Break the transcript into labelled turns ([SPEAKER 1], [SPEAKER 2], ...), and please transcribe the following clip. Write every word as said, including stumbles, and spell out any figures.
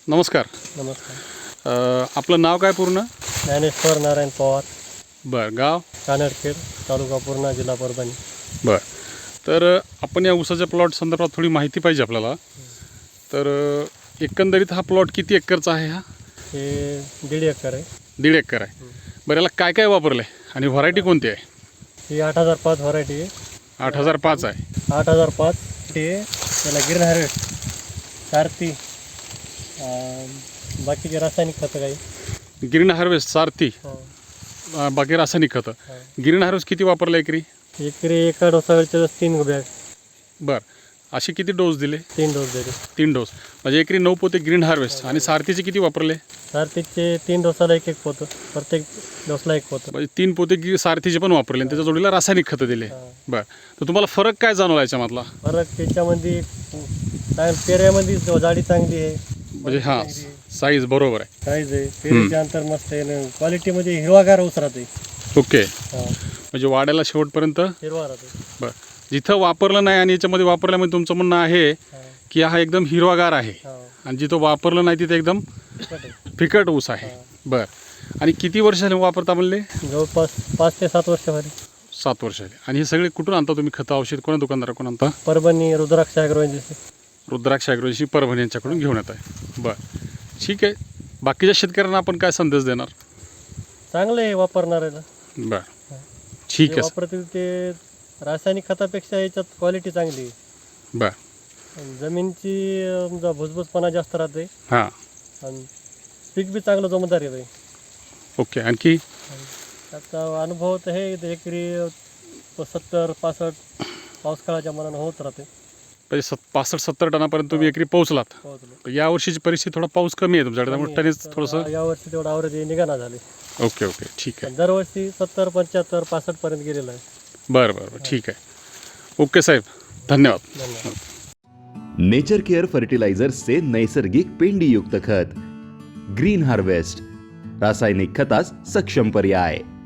[SPEAKER 1] नमस्कार.
[SPEAKER 2] नमस्कार.
[SPEAKER 1] अ, आपलं नाव काय पूर्ण?
[SPEAKER 2] ज्ञानेश्वर नारायण पवार,
[SPEAKER 1] बरं. गाव?
[SPEAKER 2] कानडखेड, तालुका पूर्णा, जिल्हा परभणी.
[SPEAKER 1] बरं. तर अ, आपण या ऊसाच्या प्लॉट संदर्भात थोडी माहिती पाहिजे आपल्याला. तर अ, एकंदरीत हा प्लॉट किती एकरचा आहे? हा
[SPEAKER 2] हे दीड एकर आहे.
[SPEAKER 1] दीड एकर आहे. बरं, याला काय काय वापरलं आहे आणि व्हरायटी कोणती आहे?
[SPEAKER 2] ही आठ हजार पाच व्हरायटी आहे.
[SPEAKER 1] आठ हजार पाच आहे.
[SPEAKER 2] आठ हजार पाच ते त्याला ग्रीन हार्वेस्ट, सारथी, अं, बाकीचे रासायनिक खतं काही.
[SPEAKER 1] ग्रीन हार्वेस्ट, सारथी,
[SPEAKER 2] हो.
[SPEAKER 1] अ, बाकी रासायनिक खतं.
[SPEAKER 2] हो.
[SPEAKER 1] ग्रीन हार्वेस्ट किती वापरलं एकरी?
[SPEAKER 2] एकरी एका डोसावरचे तीन बॅग,
[SPEAKER 1] बरं. असे किती डोस दिले?
[SPEAKER 2] तीन डोस दिले.
[SPEAKER 1] तीन डोस. म्हणजे एकरी नऊ पोते ग्रीन हार्वेस्ट. आणि सारथीचे किती वापरले?
[SPEAKER 2] सारथीचे तीन डोसाला एक एक पोतं, प्रत्येक डोसला एक पोतं.
[SPEAKER 1] म्हणजे तीन पोते गी सारथीचे पण वापरले आणि त्याच्या जोडीला रासायनिक खतं दिले.
[SPEAKER 2] हा.
[SPEAKER 1] बरं. तर तुम्हाला फरक काय जाणवला याच्यामधला?
[SPEAKER 2] फरक त्याच्यामध्ये चांग पेऱ्यामध्ये जाडी चांगली आहे,
[SPEAKER 1] म्हणजे हां, साईज बरोबर आहे.
[SPEAKER 2] साईज आहे, पेरीचे अंतर मस्त आहे, क्वालिटीमध्ये हिरवागार ऊस राहते.
[SPEAKER 1] ओके.
[SPEAKER 2] हा,
[SPEAKER 1] म्हणजे वाड्याला शेवटपर्यंत.
[SPEAKER 2] हिरवा राहते.
[SPEAKER 1] बरं. जिथं वापरलं नाही आणि याच्यामध्ये वापरल्यामध्ये तुमचं म्हणणं आहे
[SPEAKER 2] हा,
[SPEAKER 1] की हा एकदम हिरवागार आहे,
[SPEAKER 2] हा,
[SPEAKER 1] आणि जिथं वापरलं नाही तिथे एकदम
[SPEAKER 2] तिखट आहे.
[SPEAKER 1] फिकट ऊस आहे.
[SPEAKER 2] हा.
[SPEAKER 1] बरं. आणि किती वर्ष झाले वापरता म्हणले?
[SPEAKER 2] जवळपास पाच ते सात वर्ष झाली.
[SPEAKER 1] सात वर्ष झाले. आणि हे सगळे कुठून आणता तुम्ही खतं औषध? कोणा दुकानदाराकडून आणता?
[SPEAKER 2] Parbhani Rudraksh agro agency.
[SPEAKER 1] रुद्राक्ष ॲग्रोची परभणी यांच्याकडून घेऊन येत आहे. बरं, ठीक आहे. बाकीच्या शेतकऱ्यांना आपण काय संदेश देणार?
[SPEAKER 2] चांगलं आहे वापरणाऱ्याला.
[SPEAKER 1] बरं, ठीक
[SPEAKER 2] जे
[SPEAKER 1] आहे.
[SPEAKER 2] वापरतील ते रासायनिक खतापेक्षा याच्यात क्वालिटी चांगली आहे.
[SPEAKER 1] बरं.
[SPEAKER 2] आणि जमीनची अं, जा- भुसभुसपणा जास्त राहते
[SPEAKER 1] हां,
[SPEAKER 2] आणि पीक बी चांगलं जमदार येतं.
[SPEAKER 1] ओके. आणखी?
[SPEAKER 2] त्याचा अनुभव तर हे एकरी सत्तर पासष्ट पाऊस काळाच्या मनानं होत राहते.
[SPEAKER 1] म्हणजे सत पासष्ट सत्तर टनापर्यंत तुम्ही एकरी पोहोचलात.
[SPEAKER 2] पोहोचलो.
[SPEAKER 1] पण या वर्षीची परिस्थिती थोडा पाऊस कमी आहे तुमच्याकडे, त्यामुळे टनेज
[SPEAKER 2] तर
[SPEAKER 1] थोडंसं.
[SPEAKER 2] यावर्षी तेवढं आवरेज निघाना झाले.
[SPEAKER 1] ओके ओके, ठीक आहे.
[SPEAKER 2] पण दरवर्षी सत्तर पंच्याहत्तर पासष्ट पर्यंत गेलेलं आहे.
[SPEAKER 1] बरं बरं बरं, ठीक आहे. ओके साहेब, धन्यवाद.
[SPEAKER 2] धन्यवाद.
[SPEAKER 3] नेचर केअर फर्टिलायझर्सचे नैसर्गिक पेंडीयुक्त खत ग्रीन हार्वेस्ट, रासायनिक खतास सक्षम पर्याय.